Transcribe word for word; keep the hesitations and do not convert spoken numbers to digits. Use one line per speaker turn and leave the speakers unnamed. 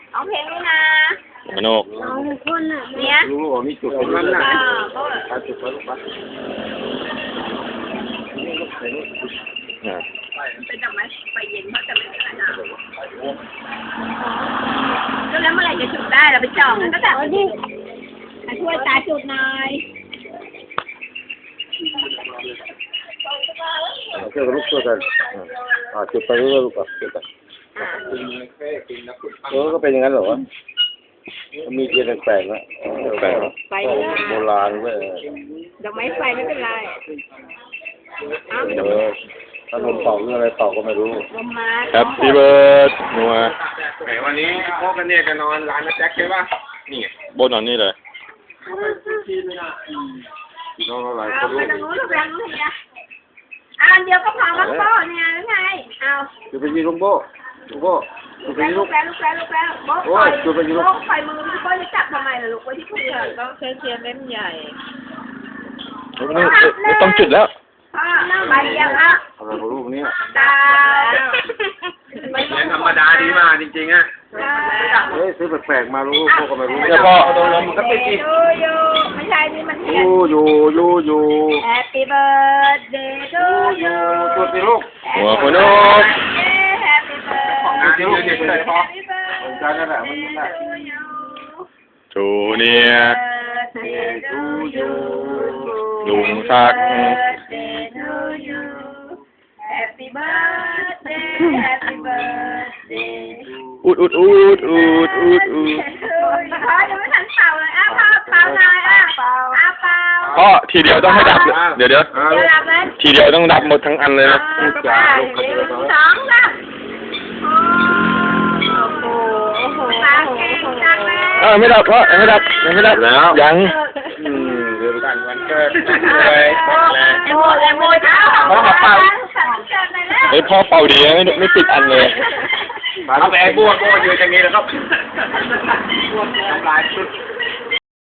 ร้องเพลงด้วยนะ
มโนก
น้องคนน่ะเนี่ย
รู้ว่ามีจุดตรงนั้นน่ะ
ก็
ตาจุดไว้ลูกปะ
อ่า
เป็นดอกไม้ไฟเย็นเขาจะไม่เป็นหนาวแล้วเมื่อไหร่จะจุดได้เราไปจองกันก็แบบดิช่วยตาจุดหน่อย
เชื่อกันลูกเชื่อกันอ่าจุดไปเรื่อยๆลูกปะจุดไปเออก็เป็นอย่างนั้นเหรอวะมีเทียนแปลกๆนะแปลก
ไฟ
โบราณเว้ย
ดอกไม้ไฟไม่เป็นไรอ้าว
เออถ้าลมเป่าเรื่องอะไรเป่าก็ไม่รู้
ลมมา
แฮปปี้เบิร์ดนัว
แหมวันนี้พ่อกันเนี่ยจะนอนร้านนะแจ็คใช่ป่ะนี่
บนนอนนี่เลย
นอนอะไร
เอา
ก็
ไป
รู้
ทางนู้นลูกไปทางนู้นเลยอันเดียวก็พอแล้วก็เนี่ยหรือไงเอา
จะไปยิงลุงโบ้ลุงโบ้จะไป
แล้ว
ยิง
ลู
ลู
ก
ก
แล้วลูกแล้วลูกแล้วโบ๊ะ
โอ้
ปล่อย
ยจุดไปยิงลูก
โบ๊ะปล่อยมือพี่โบ๊ะจะจับทำไมล่ะลูกไว้ที่พื้น
ก็ใช้เทียนเล่มใหญ่
ไม่ต้องไม่ต้องจุดแล้ว
พ่อใบเดียวอ่ะ
อะไรของลูกเนี่ย
ตา
เรียนธรรมดาดีมากจริงๆอ่ะเฮ้ยซื้อแปลกๆมารู้พ่อก็ไม่รู้
เดี๋ยวพ่อ
ตรงนั้นมันก็ไปกิน
ยูยูไม่ใช่นี่มันเทียน
ยูยูยูยู
Happy birthday to you
จุดสิลูก
หัวคนนก
Happy
ของงาน
birthday
เดี๋ยวเด็กเลยพ่อ
Happy
เหมือน
birthday
กันนั่นแหละมันนั่นแหละ
to you
จูเนีย
Birthday to you
ลุงซัก
Birthday to you Happy birthday Happy birthday
อุดอุดอุดอุดอุดอุด
พ่อยังไม่ทันเป่าเลยอ้าวพ่อเป่าหน่อยอ่ะเป่าอ้าวเป่า
พ่อทีเดียวต้องให้ดับ เดี๋ยวเดี๋ยว
อ่า
เดี๋ยวหลับเลย
ทีเดียวต้องดับหมดทั้งอันเลยนะ
หนึ่งสองสามโอ้โหโอ้โหตาเก่งจังเลย
เออไม่ดับพ่อยังไม่ดับยังไม่ดับแล้วยัง
อืมเดี๋ยวกันวันเกิดเลย
โอ้โหเลยโมยเท้าของเป่าเกิดไปแล้ว
เฮ้ยพ่อเป่าดีนะไม่ไม่ติดอันเลย
เอาไปไอ้บัวบัวอยู่อย่างนี้แล้วครับทำลายชุด